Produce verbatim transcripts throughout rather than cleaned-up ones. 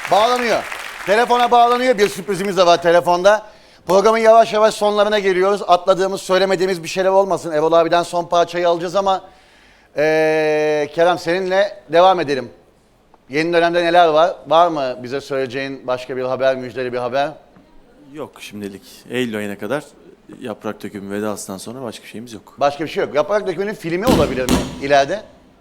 Bağlanıyor. Telefona bağlanıyor. Bir sürprizimiz de var telefonda. Programın yavaş yavaş sonlarına geliyoruz. Atladığımız, söylemediğimiz bir şeyler olmasın. Erol abiden son parçayı alacağız ama ee, Kerem seninle devam edelim. Yeni dönemde neler var? Var mı bize söyleyeceğin başka bir haber, müjdeli bir haber? Yok şimdilik. Eylül ayına kadar Yaprak Dökümü vedasından sonra başka bir şeyimiz yok. Başka bir şey yok. Yaprak Dökümü'nün filmi olabilir mi ileride?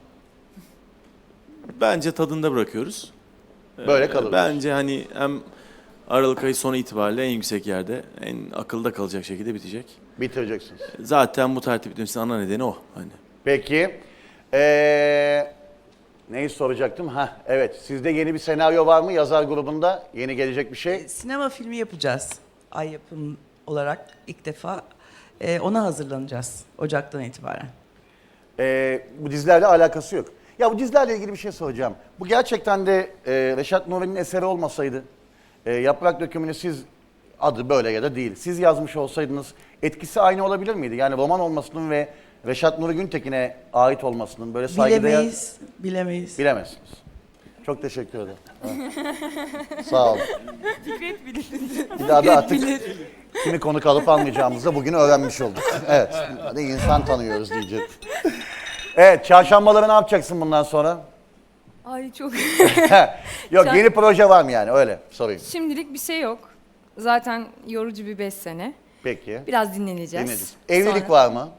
Bence tadında bırakıyoruz. Böyle kalır. Bence hani hem Aralık ayı sonu itibariyle en yüksek yerde, en akılda kalacak şekilde bitecek. Bitireceksiniz. Zaten bu tertip bitmesinin ana nedeni o. Hani. Peki. Ee, neyi soracaktım? Ha, evet. Sizde yeni bir senaryo var mı yazar grubunda? Yeni gelecek bir şey? Sinema filmi yapacağız. Ay Yapım olarak ilk defa e, ona hazırlanacağız Ocak'tan itibaren. Ee, bu dizilerle alakası yok. Ya bu dizilerle ilgili bir şey soracağım. Bu gerçekten de e, Reşat Nuri'nin eseri olmasaydı, e, Yaprak Dökümü'nü siz, adı böyle ya da değil, siz yazmış olsaydınız etkisi aynı olabilir miydi? Yani roman olmasının ve Reşat Nuri Güntekin'e ait olmasının böyle saygıdeğer... Bilemeyiz, bilemeyiz. Bilemezsiniz. Çok teşekkür ederim. Evet. Sağ olun. Fikret bilir. Bir daha da artık kimi konuk alıp almayacağımızı da bugün öğrenmiş olduk. Evet, hadi insan tanıyoruz diyecek. Evet, çarşambaları ne yapacaksın bundan sonra? Ay çok... Yok, Çar- yeni proje var mı yani? Öyle sorayım. Şimdilik bir şey yok. Zaten yorucu bir beş sene. Peki. Biraz dinleneceğiz. Dinleyeceğiz. Evlilik Sonra- var mı?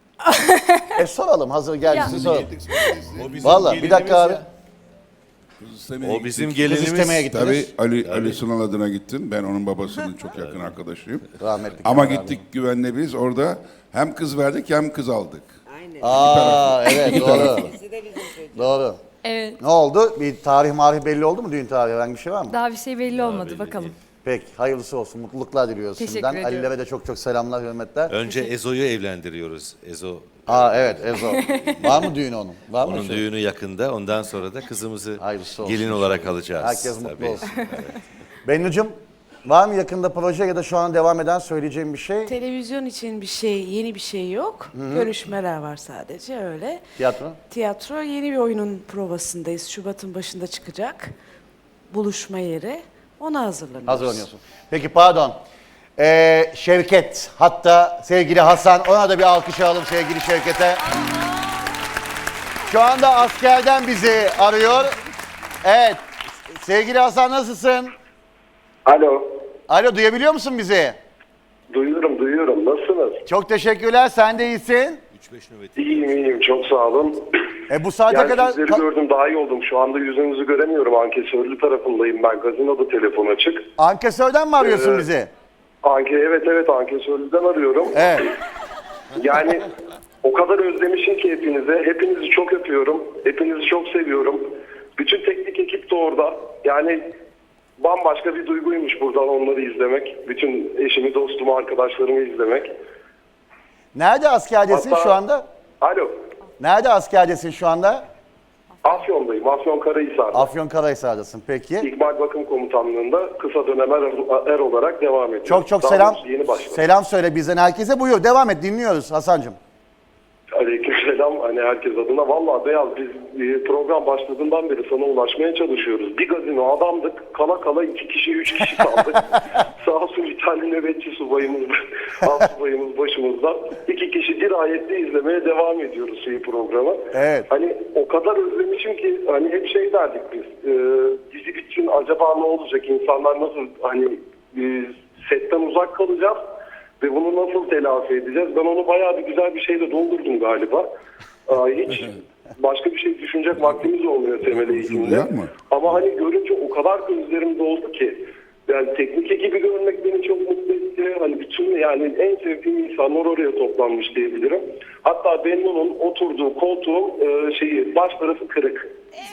e soralım, hazır gelmişsin Ya. soralım. O bizim Valla bir dakika gelinimiz abi. ya. O bizim Kız gelinimiz. istemeye gittiniz. Tabii Ali, Ali Sunal adına gittin. Ben onun babasının çok yakın arkadaşıyım. Rahmetli Ama Kemal gittik güvenle biz orada hem kız verdik hem kız aldık. Aa evet doğru. Doğru. Evet. Ne oldu? Bir tarih marih belli oldu mu? Düğün tarihi herhangi bir şey var mı? Daha bir şey belli olmadı. Bakalım. Peki hayırlısı olsun. Mutluluklar diliyoruz Teşekkür şimdiden. ediyorum. Ali'lere de çok çok selamlar, hürmetler. Önce Ezo'yu evlendiriyoruz. Ezo. Aa evet Ezo. Var mı düğünü onun? Var mı? Onun şey? düğünü yakında. Ondan sonra da kızımızı Hayırlısı olsun. gelin olarak alacağız. Herkes mutlu tabii. olsun. Bennucuğum var mı yakında proje ya da şu an devam eden söyleyeceğim bir şey? Televizyon için bir şey, yeni bir şey yok. Görüşmeler var sadece öyle. Tiyatro? Tiyatro yeni bir oyunun provasındayız. Şubat'ın başında çıkacak. Buluşma yeri. Ona hazırlanıyoruz. Hazırlanıyorsun. Peki pardon. Ee, Şevket hatta sevgili Hasan, ona da bir alkış alalım sevgili Şevket'e. Şu anda askerden bizi arıyor. Evet. Sevgili Hasan nasılsın? Alo. Alo duyabiliyor musun bizi? Duyuyorum, duyuyorum. Nasılsınız? Çok teşekkürler. Sen de iyisin. İyiyim, iyiyim. Çok sağ olun. E bu saate Yani kadar... sizleri gördüm, daha iyi oldum. Şu anda yüzünüzü göremiyorum. Ankesörlü tarafındayım ben. Gazinoda telefon açık. Ankesörden mi arıyorsun Ee, bizi? Anke, evet evet Ankesörlü'den arıyorum. Evet. Yani o kadar özlemişim ki hepinize. Hepinizi çok öpüyorum. Hepinizi çok seviyorum. Bütün teknik ekip de orada. Yani bambaşka bir duyguymuş buradan onları izlemek. Bütün eşimi, dostumu, arkadaşlarımı izlemek. Nerede askerdesin Hatta- şu anda? Alo. Nerede askerdesin şu anda? Afyon'dayım. Afyon Karahisar'da. Afyonkarahisar'dasın peki. İkbal Bakım Komutanlığı'nda kısa dönem er, er olarak devam ediyorum. Çok çok Daha selam. doğrusu Yeni başladım. Selam söyle bizden herkese. Buyur devam et, dinliyoruz Hasan'cığım. Aleykümselam hani herkes adına. Vallahi Beyaz biz e, program başladığından beri sana ulaşmaya çalışıyoruz. Bir gazino adamdık. Kala kala iki kişi, üç kişi kaldık. Sağ olsun bir tane nöbetçi subayımız, alt subayımız başımızda. İki kişi dirayetli izlemeye devam ediyoruz şeyi programı. Evet. Hani o kadar özlemişim ki hani hep şey derdik biz. E, dizi bitsin acaba ne olacak? İnsanlar nasıl hani e, setten uzak kalacağız? Ve bunu nasıl telafi edeceğiz? Ben onu bayağı bir güzel bir şeyle doldurdum galiba. Aa, hiç başka bir şey düşünecek vaktimiz olmuyor temel eğitimde. Yapma. Ama hani görünce o kadar gözlerim doldu ki. Yani teknik ekibi görmek beni çok mutlu etti. Hani bütün yani en sevdiğim insanlar oraya toplanmış diyebilirim. Hatta Bennu'nun oturduğu koltuğun e, şeyi baş tarafı kırık.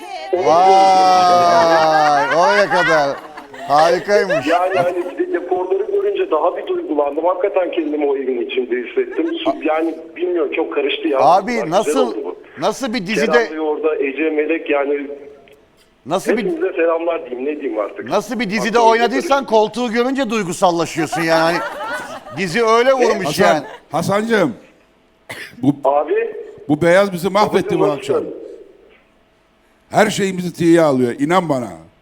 Vay oraya kadar. Harikaymış. Yani hani bir de dekorları görünce daha bir duygulandım. Hakikaten kendimi o evin içinde hissettim. Yani bilmiyorum çok karıştı ya. Abi Güzel nasıl oldu bu. nasıl bir Kerem dizide Bey orada, Ece, Melek yani nasıl bir hepinize selamlar diyeyim ne diyeyim artık. nasıl bir dizide Aklım oynadıysan karıştı. koltuğu görünce duygusallaşıyorsun yani. Hani dizi öyle vurmuş Hasan, yani. Hasancığım bu, Abi bu beyaz bizi mahvetti bu babacığım, akşam. nasılsın? Her şeyimizi tiye alıyor. İnan bana.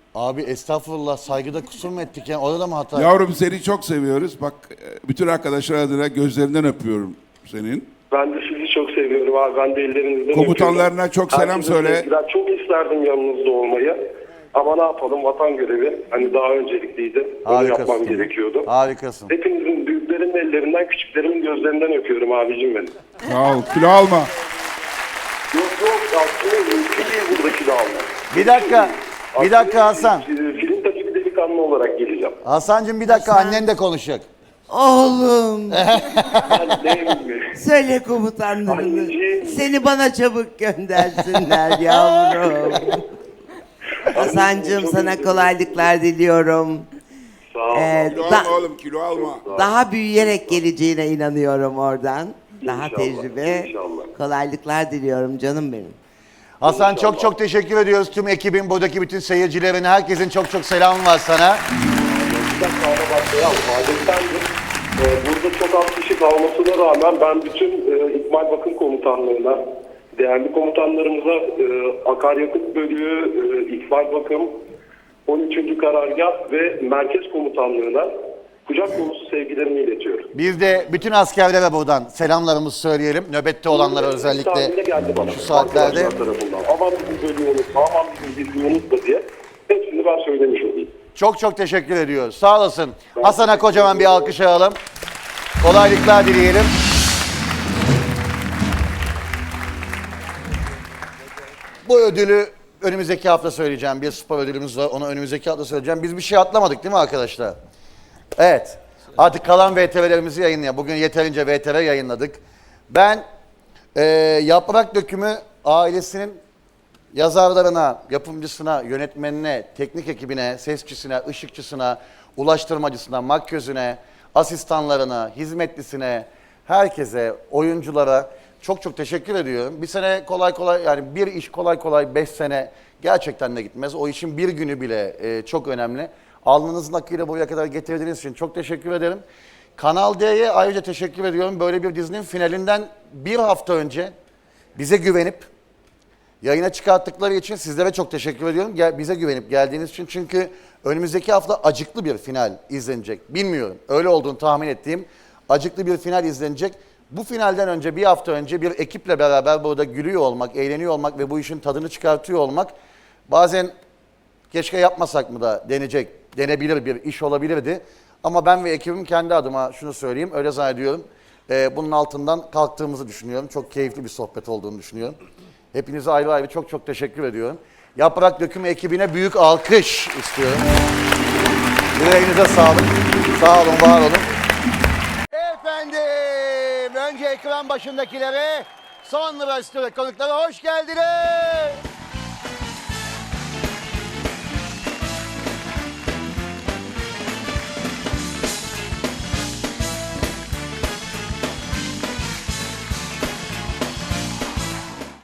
Abi estağfurullah, saygıda kusur mu ettik ya? Orada mı hata? Yavrum seni çok seviyoruz. Bak e, bütün arkadaşlar adına gözlerinden öpüyorum senin. Ben de sizi çok seviyorum abi. Ben de ellerinizden Komutanlarına öpüyorum. çok selam Herkese söyle. sevgiler. Çok isterdim yanınızda olmayı. Ama ne yapalım, vatan görevi hani daha öncelikliydi. Onu Harikasın. yapmam gerekiyordu. Harikasın. Hepinizin, büyüklerimin ellerinden, küçüklerimin gözlerinden öpüyorum abicim benim. Sağ ol. Kilo alma. Yok yok, aslında mümkün değil buradaki de almak. Bir dakika. Bir dakika Hasan. Film tabii bir delikanlı olarak geleceğim. Hasan'cığım bir dakika, annen de konuşacak. Oğlum, Annem mi? söyle komutanlarını. Anneciğim. Seni bana çabuk göndersinler yavrum. Hasan'cığım sana kolaylıklar diliyorum. Sağ ol. Ee, Kilo da- alma oğlum, kilo alma. daha büyüyerek geleceğine inanıyorum oradan. Daha İnşallah, tecrübe, inşallah. kolaylıklar diliyorum canım benim. Hasan çok çok teşekkür ediyoruz. Tüm ekibin, buradaki bütün seyircilerin, herkesin çok çok selamı var sana. Bir dakika ama başlayalım. Adettendir. Ee, burada çok az kişi kalmasına rağmen ben bütün e, İkmal Bakım Komutanlığı'na, değerli komutanlarımıza e, akaryakıt bölüğü, e, İkmal Bakım, on üçüncü Karargah ve Merkez Komutanlığı'na kucak dolusu sevgilerimi iletiyorum. Biz de bütün askerlere buradan selamlarımızı söyleyelim. Nöbette olanlara özellikle Tahminde geldi bana. şu saatlerde. Arkadaşlar tarafından. Aman bizim bölüğü unutma, aman bizim birliği unutma diye. Hepsini ben söylemiş olayım. Çok çok teşekkür ediyoruz. Sağ olasın. Hasan'a kocaman bir alkış alalım. Kolaylıklar dileyelim. Bu ödülü önümüzdeki hafta söyleyeceğim. Bir spor ödülümüz var. Onu önümüzdeki hafta söyleyeceğim. Biz bir şey atlamadık değil mi arkadaşlar? Evet. Artık kalan V T R'lerimizi yayınlayalım. Bugün yeterince V T R yayınladık. Ben e, Yaprak Dökümü ailesinin yazarlarına, yapımcısına, yönetmenine, teknik ekibine, sesçisine, ışıkçısına, ulaştırmacısına, makyözüne, asistanlarına, hizmetlisine, herkese, oyunculara çok çok teşekkür ediyorum. Bir sene kolay kolay, yani bir iş kolay kolay beş sene gerçekten de gitmez. O işin bir günü bile e, çok önemli. Alnınızın akıyla buraya kadar getirdiğiniz için çok teşekkür ederim. Kanal D'ye ayrıca teşekkür ediyorum. Böyle bir dizinin finalinden bir hafta önce bize güvenip yayına çıkarttıkları için sizlere çok teşekkür ediyorum. Gel, bize güvenip geldiğiniz için. Çünkü önümüzdeki hafta acıklı bir final izlenecek. Bilmiyorum. Öyle olduğunu tahmin ettiğim acıklı bir final izlenecek. Bu finalden önce, bir hafta önce bir ekiple beraber burada gülüyor olmak, eğleniyor olmak ve bu işin tadını çıkartıyor olmak bazen keşke yapmasak mı da denecek, denebilir bir iş olabilirdi. Ama ben ve ekibim kendi adıma şunu söyleyeyim, öyle zannediyorum. Ee, bunun altından kalktığımızı düşünüyorum. Çok keyifli bir sohbet olduğunu düşünüyorum. Hepinize ayrı ayrı çok çok teşekkür ediyorum. Yaprak Dökümü ekibine büyük alkış istiyorum. Yüreğinize sağlık. Sağ olun, var olun. Efendim, önce ekran başındakilere, sonra stüdyo konuklara hoş geldiniz.